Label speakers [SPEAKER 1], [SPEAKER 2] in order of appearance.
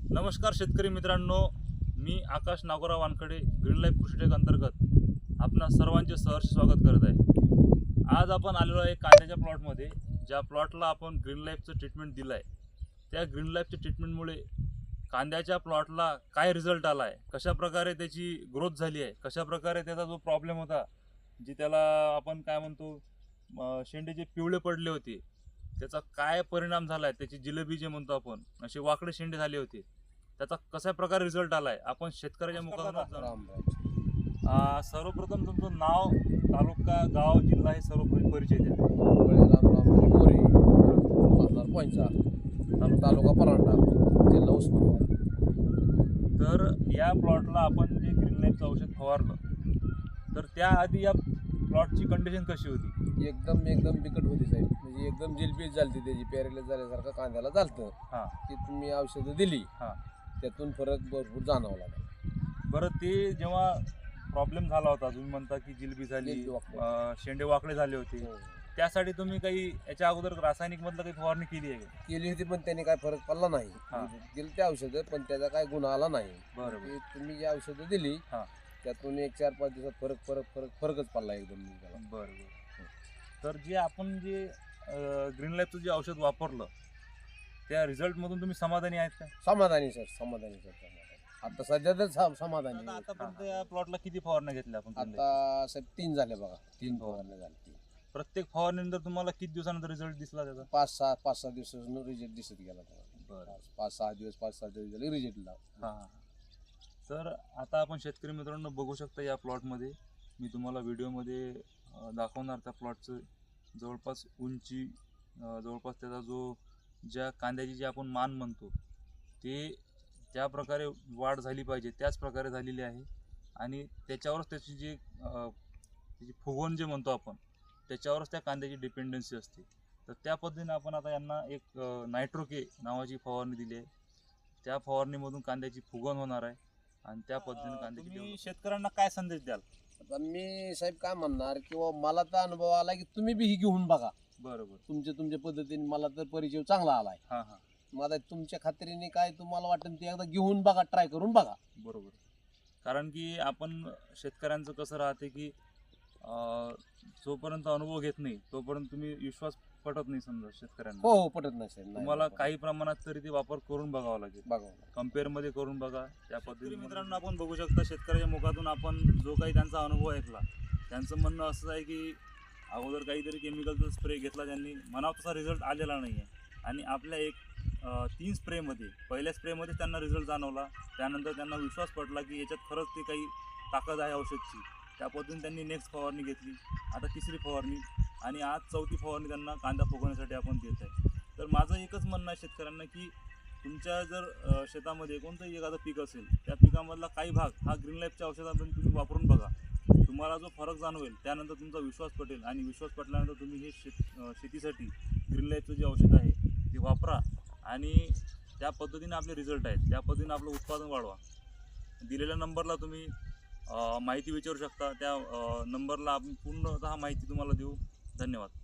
[SPEAKER 1] नमस्कार शेतकरी मित्रांनो, मी आकाश नागोराव वानखडे ग्रीन लाईफ कृषी टेक अंतर्गत आपणा सर्वांचे सहर्ष स्वागत करत आहे। आज आपण आलेलो आहे कांद्याच्या प्लॉटमध्ये। ज्या प्लॉटला आपण ग्रीन लाईफचं ट्रीटमेंट दिलं आहे, त्या ग्रीन लाईफच्या ट्रीटमेंटमुळे कांद्याच्या प्लॉटला काय रिझल्ट आला आहे, कशा प्रकारे त्याची ग्रोथ झाली आहे, कशा प्रकारे त्याचा जो प्रॉब्लेम होता, जी त्याला आपण काय म्हणतो शेंडे जे पिवळे पडले होते, त्याचा काय परिणाम झाला आहे, त्याची जिलेबी जे म्हणतो आपण, असे वाकडे शेंडे झाले होते, त्याचा कशा प्रकारे रिझल्ट आला आहे आपण शेतकऱ्याच्या मुखातून सर्वप्रथम तुमचं नाव, तालुका, गाव, जिल्हा हे सर्व परिचय द्या।
[SPEAKER 2] मोरे, राहणार पंचा, तालुका परांडा, जिल्हा उस्मानाबाद।
[SPEAKER 1] तर या प्लॉटला आपण जे ग्रीन लाईफचं औषध फवारलं, तर त्याआधी या प्लॉटची कंडिशन कशी होती?
[SPEAKER 2] एकदम बिकट होती साहेब, म्हणजे एकदम जिलबीज झाली, त्याची पॅरेलाइज झाल्यासारखं कांद्याला झालतं।
[SPEAKER 1] हां,
[SPEAKER 2] की तुम्ही औषधं दिली,
[SPEAKER 1] हां,
[SPEAKER 2] त्यातून फरक भरपूर जाणवला लागला।
[SPEAKER 1] बरं, ते जेव्हा प्रॉब्लेम झाला होता, तुम्ही म्हणता की जिलबी झाली,
[SPEAKER 2] जिलबी वाकडे.
[SPEAKER 1] शेंडे वाकडे झाले होते, त्यासाठी तुम्ही काही याच्या अगोदर रासायनिक मधलं काही फवारणी केली आहे का?
[SPEAKER 2] केली होती, पण त्याने काय फरक पडला नाही।
[SPEAKER 1] हां.
[SPEAKER 2] दिली ते औषधं, पण त्याचा काय गुण आला नाही।
[SPEAKER 1] बरोबर.
[SPEAKER 2] की तुम्ही जी औषधं दिली,
[SPEAKER 1] हां.
[SPEAKER 2] त्यातून 1-4-5 दिवसात फरकच पडला एकदम त्याला।
[SPEAKER 1] बरोबर। तर जे आपण जे ग्रीन लाईफचं जे औषध वापरलं, त्या रिझल्टमधून तुम्ही समाधानी आहेत का?
[SPEAKER 2] समाधानी सर। आता सध्या तर समाधानी आहे।
[SPEAKER 1] आतापर्यंत या प्लॉटला किती फवारण्या घेतल्या आपण?
[SPEAKER 2] आता साहेब 3 झाले बघा, 3 फवारण्या झाली।
[SPEAKER 1] प्रत्येक फवारणीनंतर तुम्हाला किती दिवसानंतर रिझल्ट दिसला त्याचा?
[SPEAKER 2] 5-6 दिवसांनी रिझल्ट दिसत गेला त्याला।
[SPEAKER 1] बरं.
[SPEAKER 2] 5-6 दिवस झाले रिझल्ट लागला।
[SPEAKER 1] हां. तर आता आपण शेतकरी मित्रांनो बघू शकता, या प्लॉटमध्ये मी तुम्हाला व्हिडिओमध्ये दाखवणार त्या प्लॉटचं जवळपास उंची, जवळपास त्याचा जो ज्या कांद्याची जी आपण मान म्हणतो, ते ज्या प्रकारे वाढ झाली पाहिजे त्याच प्रकारे झालेली आहे। आणि त्याच्यावरच त्याची जी त्याची फुगवण जे म्हणतो आपण, त्याच्यावरच त्या कांद्याची डिपेंडन्सी असते। तर त्या पद्धतीने आपण आता यांना एक नायट्रोके नावाची फवारणी दिली आहे। त्या फवारणीमधून कांद्याची फुगवण होणार आहे आणि त्या पद्धतीने कांद्याची तुम्ही शेतकऱ्यांना काय संदेश द्याल?
[SPEAKER 2] आता मी साहेब काय म्हणणार, किंवा मला तर अनुभव आला की तुम्ही बी ही घेऊन बघा।
[SPEAKER 1] बरोबर.
[SPEAKER 2] तुमच्या पद्धतीने मला तर परिचय चांगला आलाय।
[SPEAKER 1] हां हां,
[SPEAKER 2] मग आता तुमच्या खात्रीने काय तुम्हाला वाटेल ते एकदा घेऊन बघा, ट्राय करून बघा।
[SPEAKER 1] बरोबर। कारण की आपण शेतकऱ्यांचं कसं राहते की जोपर्यंत अनुभव घेत नाही तोपर्यंत तुम्ही विश्वास पटत नाही समजा शेतकऱ्यांना।
[SPEAKER 2] हो, पटत नाही साहेब।
[SPEAKER 1] तुम्हाला काही प्रमाणात तरी ते वापर करून बघावा लागेल,
[SPEAKER 2] बघा।
[SPEAKER 1] कम्पेअरमध्ये करून बघा त्या पद्धतीने। मित्रांनो, आपण बघू शकता शेतकऱ्याच्या मुखातून आपण जो काही त्यांचा अनुभव ऐकला, त्यांचं म्हणणं असं आहे की अगोदर काहीतरी केमिकलचा स्प्रे घेतला त्यांनी, म्हणावा तसा रिझल्ट आलेला नाही आहे। आणि आपल्या 3 स्प्रेमध्ये, पहिल्या स्प्रेमध्ये त्यांना रिझल्ट जाणवला, त्यानंतर त्यांना विश्वास पटला की याच्यात खरंच ते काही ताकद आहे औषधची। त्या पद्धतीने त्यांनी नेक्स्ट फवारणी घेतली, आता 3री फवारणी, आणि आज 4थी फवारणी त्यांना कांदा फुगवण्यासाठी आपण देत आहे। तर माझं एकच म्हणणं आहे शेतकऱ्यांना की तुमच्या जर शेतामध्ये कोणतंही एखादं पीक असेल, त्या पिकामधला काही भाग हा ग्रीन लाईफच्या औषधामध्ये तुम्ही वापरून बघा। तुम्हाला जो फरक जाणवेल, त्यानंतर तुमचा विश्वास पटेल, आणि विश्वास पटल्यानंतर तुम्ही हे शेतीसाठी ग्रीन लाईफचं जे औषध आहे ते वापरा, आणि त्या पद्धतीने आपले रिझल्ट आहेत, त्या पद्धतीने आपलं उत्पादन वाढवा। दिलेल्या नंबरला तुम्ही माहिती विचारू शकता, त्या नंबरला आपण पूर्णतः माहिती तुम्हाला देऊ। धन्यवाद।